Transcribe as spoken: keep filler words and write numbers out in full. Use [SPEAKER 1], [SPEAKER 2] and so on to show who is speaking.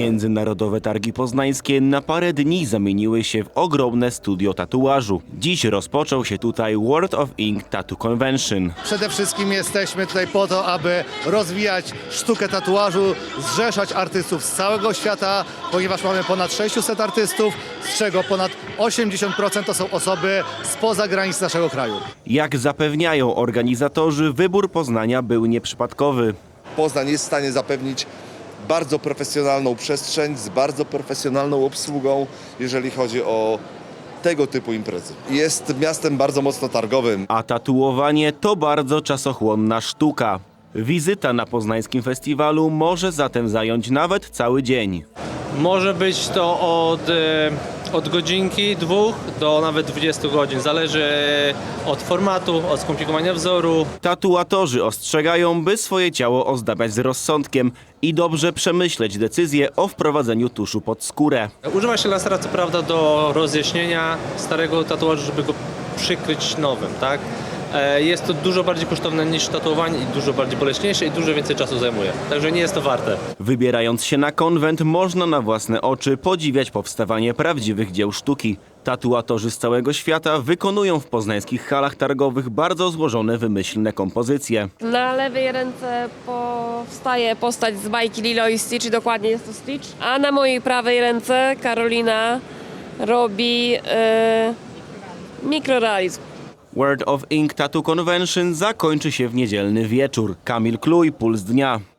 [SPEAKER 1] Międzynarodowe Targi Poznańskie na parę dni zamieniły się w ogromne studio tatuażu. Dziś rozpoczął się tutaj World of Ink Tattoo Convention.
[SPEAKER 2] Przede wszystkim jesteśmy tutaj po to, aby rozwijać sztukę tatuażu, zrzeszać artystów z całego świata, ponieważ mamy ponad sześciuset artystów, z czego ponad osiemdziesiąt procent to są osoby spoza granic naszego kraju.
[SPEAKER 1] Jak zapewniają organizatorzy, wybór Poznania był nieprzypadkowy.
[SPEAKER 3] Poznań jest w stanie zapewnić bardzo profesjonalną przestrzeń z bardzo profesjonalną obsługą, jeżeli chodzi o tego typu imprezy. Jest miastem bardzo mocno targowym.
[SPEAKER 1] A tatuowanie to bardzo czasochłonna sztuka. Wizyta na poznańskim festiwalu może zatem zająć nawet cały dzień.
[SPEAKER 4] Może być to od, e, od godzinki, dwóch do nawet dwudziestu godzin. Zależy od formatu, od skomplikowania wzoru.
[SPEAKER 1] Tatuatorzy ostrzegają, by swoje ciało ozdabiać z rozsądkiem i dobrze przemyśleć decyzję o wprowadzeniu tuszu pod skórę.
[SPEAKER 4] Używa się lasera co prawda do rozjaśnienia starego tatuażu, żeby go przykryć nowym, tak? E, Jest to dużo bardziej kosztowne niż tatuowanie i dużo bardziej boleśniejsze i dużo więcej czasu zajmuje. Także nie jest to warte.
[SPEAKER 1] Wybierając się na konwent, można na własne oczy podziwiać powstawanie prawdziwych dzieł sztuki. Tatuatorzy z całego świata wykonują w poznańskich halach targowych bardzo złożone, wymyślne kompozycje.
[SPEAKER 5] Na lewej ręce powstaje postać z bajki Lilo i Stitch, dokładnie jest to Stitch. A na mojej prawej ręce Karolina robi yy, mikrorealizm.
[SPEAKER 1] World of Ink Tattoo Convention zakończy się w niedzielny wieczór. Kamil Kluj, Puls Dnia.